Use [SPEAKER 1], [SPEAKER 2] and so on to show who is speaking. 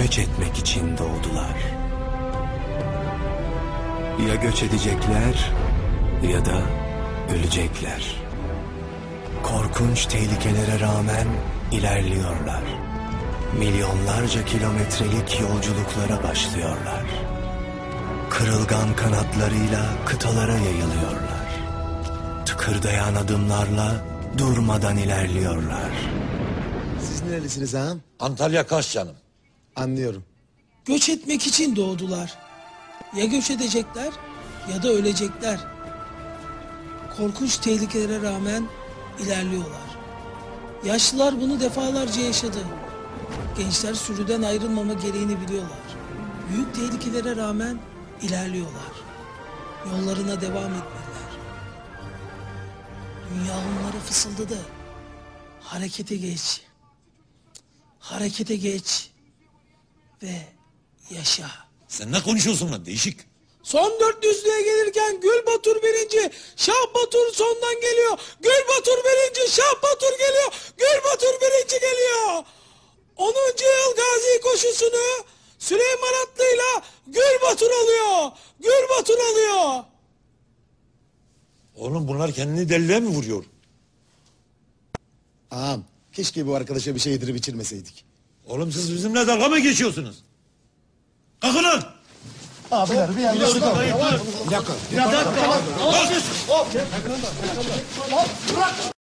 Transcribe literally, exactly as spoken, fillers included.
[SPEAKER 1] göç etmek için doğdular. Ya göç edecekler ya da ölecekler. Korkunç tehlikelere rağmen ilerliyorlar. Milyonlarca kilometrelik yolculuklara başlıyorlar. Kırılgan kanatlarıyla kıtalara yayılıyorlar. Tıkırdayan adımlarla durmadan ilerliyorlar.
[SPEAKER 2] Siz nerelisiniz ağam?
[SPEAKER 3] Antalya Kaş canım.
[SPEAKER 2] Anlıyorum.
[SPEAKER 4] Göç etmek için doğdular. Ya göç edecekler ya da ölecekler. Korkunç tehlikelere rağmen ilerliyorlar. Yaşlılar bunu defalarca yaşadı. Gençler sürüden ayrılmama gereğini biliyorlar. Büyük tehlikelere rağmen ilerliyorlar. Yollarına devam etmeliler. Dünya onlara fısıldadı. Harekete geç. Harekete geç. Ve yaşa.
[SPEAKER 3] Sen ne konuşuyorsun lan değişik?
[SPEAKER 4] Son dört yüzlüğe gelirken Gül Batur birinci, Şah Batur sondan geliyor. Gül Batur birinci, Şah Batur geliyor. Gül Batur birinci geliyor. onuncu yıl Gazi koşusunu Süleyman Atlı'yla Gül Batur alıyor. Gül Batur alıyor.
[SPEAKER 3] Oğlum bunlar kendini deliliğe mi vuruyor?
[SPEAKER 2] Ağam keşke bu arkadaşa bir şey yedirip içirmeseydik.
[SPEAKER 3] Oğlum siz bizimle dalga mı geçiyorsunuz? Kalkın lan!
[SPEAKER 2] Abiler bir yanlışlık oldu.
[SPEAKER 3] Bir dakika.
[SPEAKER 2] Bir dakika.